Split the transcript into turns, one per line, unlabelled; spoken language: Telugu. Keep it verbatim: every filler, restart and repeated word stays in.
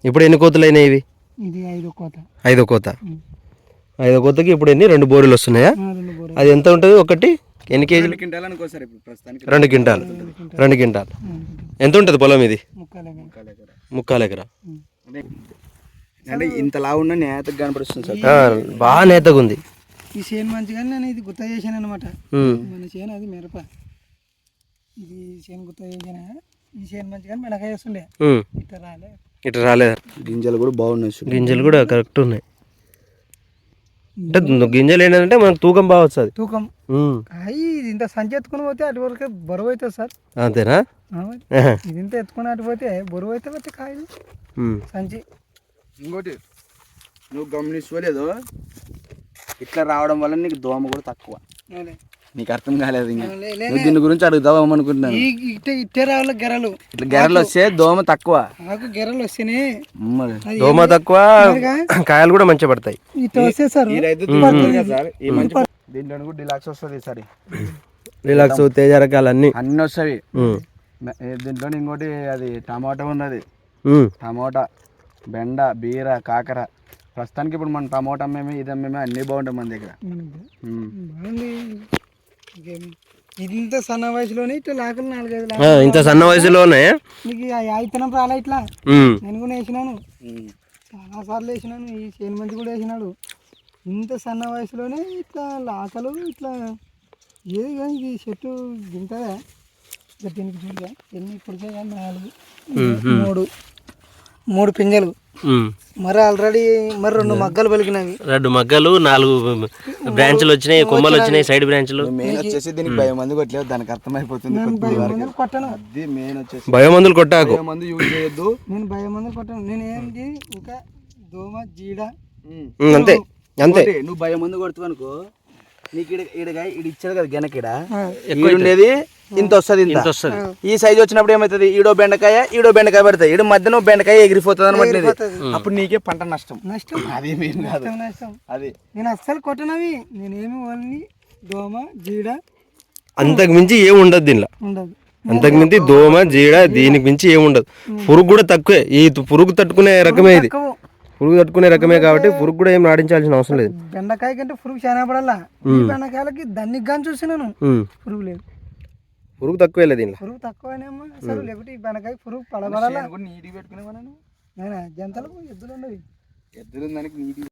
ఇప్పుడు ఎన్ని కోతలు అయినాయి ఇవి?
ఇది ఐదో కోత.
ఐదో కోత. ఐదో కోతకి ఇప్పుడు ఎన్ని రెండు బోరీలు వస్తున్నాయా? అది ఎంత ఉంటుంది ఒకటి? ఎన్ని కేజీలు? రెండు క్వింటాల్. రెండు క్వింటాల్ ఎంత ఉంటుంది పొలం ఇది? ముక్కాలు ఎకరా.
అంటే ఇంత లావు ఉన్న నేతగా కనపడుతుంది సార్,
బాగా నేతగా ఉంది.
ఈ చేను మంచిగా నేను ఇది గుత్త చేశాను అనమాట. మన చేను అది మిరప, ఇది చేను గుత్త చేసాను. ఈ చేను మంచిగా మినకాయ వస్తుండే, ఇట్లా రాలే
ఇట్లా రాలేదు.
గింజలు కూడా బాగున్నాయి,
గింజలు కూడా కరెక్ట్ ఉన్నాయి. అంటే గింజలు ఏంటంటే మనకు తూకం బాగా వస్తుంది.
తూకం అయ్యి ఇది ఇంత సంచి ఎత్తుకుని పోతే అటు వరకు బరువు అవుతుంది సార్.
అంతేనా?
ఇది ఇంత ఎత్తుకుని అటు పోతే బరువు అయితే పోతే కాయలు సంచి.
ఇంకోటి నువ్వు గమనించుకోలేదు, ఇట్లా రావడం వల్ల నీకు దోమ కూడా తక్కువ. నీకు అర్థం కాలేదు, ఇంకా దీని గురించి అడుగుదాం అనుకుంటున్నాను.
ఇట్టే రావాలి గెరలు,
ఇట్లా గెరలు వస్తే దోమ తక్కువ.
నాకు గెరలు వస్తేనే
దోమ తక్కువ, కాయలు కూడా మంచిగా పడతాయి.
ఇట్లా వస్తే సార్
దీంట్లో కూడా డిలాక్స్ వస్తుంది. సరే
రిలాక్స్, తేజ రకాలు అన్ని
అన్ని వస్తాయి దీంట్లో. ఇంకోటి అది టమాటా ఉన్నది, టమాటా, బెండ, బీర, కాకర. ప్రస్తుతానికి ఇప్పుడు మన టమాటా అమ్మేమే, ఇది అమ్మేమే, అన్నీ బాగుంటాయి మన దగ్గర.
ఇంత సన్న వయసులోనే ఇట్లా లాకలు నాలుగైదు,
ఇంత సన్న వయసులోనే
నీకు అయితనం రాలే. ఇట్లా నేను కూడా వేసినాను, చాలా సార్లు వేసినాను. ఈ చేను మంచి కూడా వేసినాడు. ఇంత సన్న వయసులోనే ఇట్లా లాకలు ఇట్లా ఏది కానీ ఇది చెట్టు దింటదా దీనికి చూడగా ఎన్ని పొడిచే కానీ నాలుగు మూడు మూడు పింజలు, మరి ఆల్రెడీ మరి రెండు మగ్గలు పలికినవి.
రెండు మగ్గలు, నాలుగు బ్రాంచ్లు వచ్చినాయి, కొమ్మలు వచ్చినాయి, సైడ్ బ్రాంచ్లు.
మెయిన్ వచ్చేసి దీనికి భయం మందు కొట్టలేదు, దానికి అర్థమైపోతుంది.
కొట్టను,
అది మెయిన్ వచ్చేసి
భయం మందులు కొట్టాకు,
మందు యూజ్ చేయొద్దు.
నేను భయం మందులు కొట్టాను. నేను ఏంటి ఇంకా దోమ, జీడ
అంతే అంతే.
నువ్వు భయం మందు కొడుతావు అనుకో, నీకు ఈడగా ఈడ ఇచ్చాడు కదా గెనకిడ ఉండేది ఇంత వస్తుంది, ఇంత వస్తుంది. ఈ సైజ్ వచ్చినప్పుడు ఏమవుతుంది, ఈడో బెండకాయ ఈడో బెండకాయ పడతాయి, ఈడ మధ్యన బెండకాయ ఎగిరిపోతుంది అనమాట. అప్పుడు నీకే పంట నష్టం.
నష్టం అది నష్టం. అది నేను అస్సలు కొట్టనవి. నేనేమి ఓన్లీ దోమ, జీడ,
అంతకు మించి ఏమి ఉండదు దీనిలో.
ఉండదు
అంతకు మించి దోమ, జీడ, దీనికి మించి ఏమి ఉండదు. పురుగు కూడా తక్కువే. ఈ పురుగు తట్టుకునే రకమే ఇది, పురుగు తట్టుకునే రకమే కాబట్టి పురుగు కూడా ఏం నాటించాల్సిన అవసరం లేదు.
బెండకాయ కంటే పురుగు చాలా పడాలా. బెండకాయలకి దానికి కానీ చూసినాను పురుగు లేదు,
పురుగు తక్కువే లేదు దీనిలో.
పురుగు తక్కువనేమో అసలు, లేకపోతే ఈ బెండకాయ పురుగు పడబడాలా. నీటి పెట్టుకునే జంతలకు ఎద్దులు ఉండవు, ఎద్దులు దానికి నీటి